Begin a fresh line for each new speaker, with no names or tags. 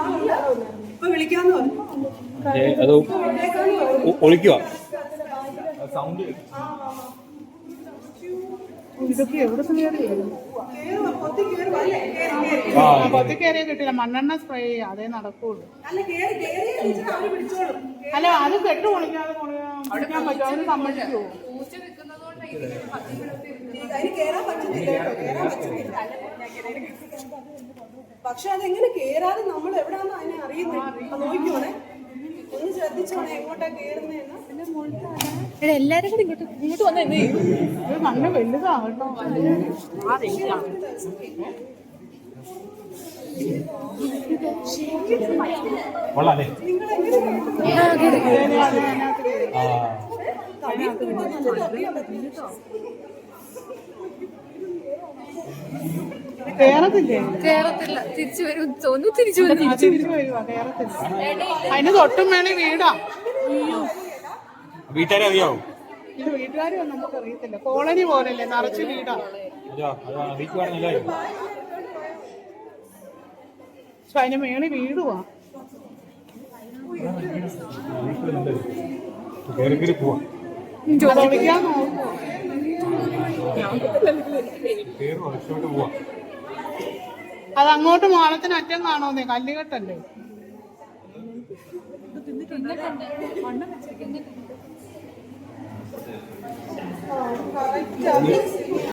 ഇപ്പൊ വിളിക്കാന്ന് പറഞ്ഞു.
അത് ഒളിക്കുക സൗണ്ട്.
ഇതൊക്കെ എവിടെ കൊത്തി കയറിയ കിട്ടില്ല. മണ്ണെണ്ണ സ്പ്രേ ചെയ്യുക, അതേ നടക്കുള്ളൂ. അല്ല അത് കെട്ട് പൊളിക്കാതെ പൊളിക്കാൻ പറ്റും. അവന് സമ്മതിക്കുമോ?
പക്ഷെ അതെങ്ങനെ കേറാതെ നമ്മൾ എവിടാന്ന് അതിനെ അറിയുന്നത് നോക്കിക്കോണേ. ഒന്ന് ശ്രദ്ധിച്ചോണേ എങ്ങോട്ടാ കേറുന്നതെന്ന്.
എല്ലാരും കൂടി ഇങ്ങോട്ട് വന്നേ.
മണ്ണ് വലുതാകട്ടോ.
കൊള്ളാല്ലേ?
കേരളത്തില്ല, തിരിച്ചു വരും തോന്നുന്നു. തിരിച്ചു
വരുവാ. കേരളത്തില്ല. അതിന് തൊട്ടും മേളി വീടാ.
വീട്ടുകാരെ അറിയാവോ?
ഇത് വീട്ടുകാരും നമുക്ക് അറിയത്തില്ല. കോളനി പോലല്ലേ, നിറച്ച് വീടാ. പക്ഷെ അതിന് മേളി വീടുവാ. ചോദിക്കാൻ നോക്കുവോ? അത് അങ്ങോട്ട് മാളത്തിന് അറ്റം കാണുന്നേ, കല്ലുകെട്ടല്ലേ.